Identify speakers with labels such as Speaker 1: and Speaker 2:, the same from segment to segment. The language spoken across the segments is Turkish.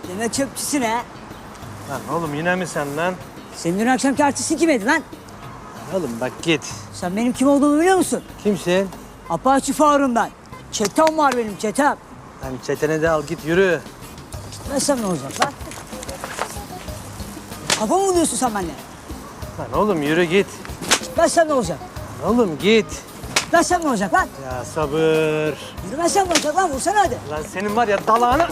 Speaker 1: Demek çöpçüsün ha.
Speaker 2: Lan oğlum yine mi sen lan?
Speaker 1: Senin dün akşamki artistin kimydi lan?
Speaker 2: Oğlum bak git.
Speaker 1: Sen benim kim olduğumu biliyor musun?
Speaker 2: Kimsin?
Speaker 1: Apache Faruk'um ben. Çetem var benim çetem.
Speaker 2: Lan çetene de al git yürü.
Speaker 1: Gitmezsem ne olacak lan? Kafa mı buluyorsun sen benimle?
Speaker 2: Lan oğlum yürü git.
Speaker 1: Gitmezsem ne olacak?
Speaker 2: Oğlum git.
Speaker 1: Gitmezsem ne olacak lan?
Speaker 2: Ya sabır.
Speaker 1: Yürümezsem ne olacak lan? Vursana hadi.
Speaker 2: Lan senin var ya dalağını...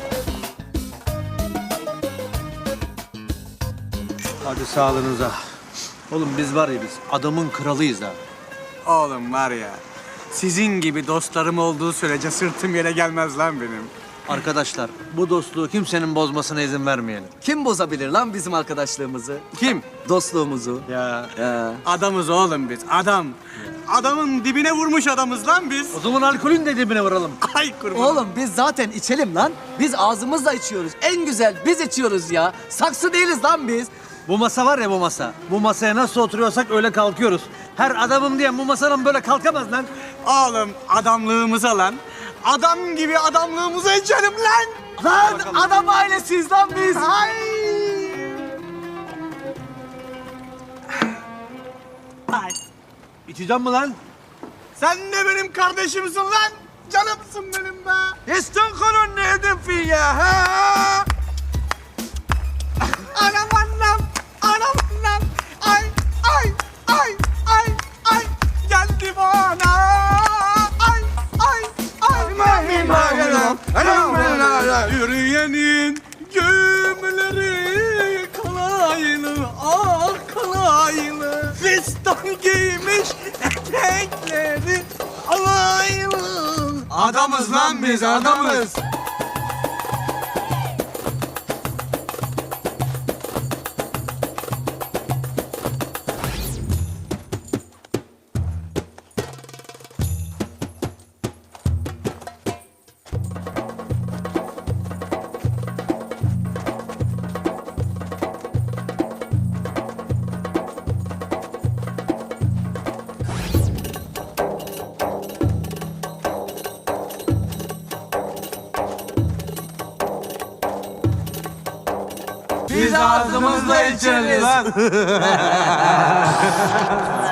Speaker 2: Hadi sağlığınıza. Oğlum biz var ya biz adamın kralıyız ha.
Speaker 3: Oğlum var ya, sizin gibi dostlarım olduğu sürece sırtım yere gelmez lan benim.
Speaker 2: Arkadaşlar bu dostluğu kimsenin bozmasına izin vermeyelim.
Speaker 4: Kim bozabilir lan bizim arkadaşlığımızı?
Speaker 3: Kim?
Speaker 4: Dostluğumuzu.
Speaker 2: Ya
Speaker 3: Adamız oğlum biz, adam. Adamın dibine vurmuş adamız lan biz.
Speaker 2: o zaman alkolün de dibine vuralım.
Speaker 3: Ay kurban.
Speaker 4: Oğlum biz zaten içelim lan. Biz ağzımızla içiyoruz. En güzel biz içiyoruz ya. Saksı değiliz lan biz.
Speaker 2: Bu masa var ya bu masa. Bu masaya nasıl oturuyorsak öyle kalkıyoruz. Her adamım diye bu masadan böyle kalkamaz lan.
Speaker 3: Oğlum adamlığımıza lan. Adam gibi adamlığımıza içelim lan.
Speaker 4: Lan adam ailesiyiz lan biz.
Speaker 3: Ay. Ay.
Speaker 2: İçeceğim mi lan?
Speaker 3: Sen de benim kardeşimsin lan. Canımsın benim be.
Speaker 2: İstanbul'un nereden fi ya ha?
Speaker 3: Anam anam, anam anam. Ay, ay, ay, ay, ay. Geldi bana. Ay, ay, ay. Yürüyenin gömüleri kalaylı, ah kalaylı. Fistan giymiş etekleri alaylı. Adamız lan biz, adamız. Biz ağzımızla içeriz.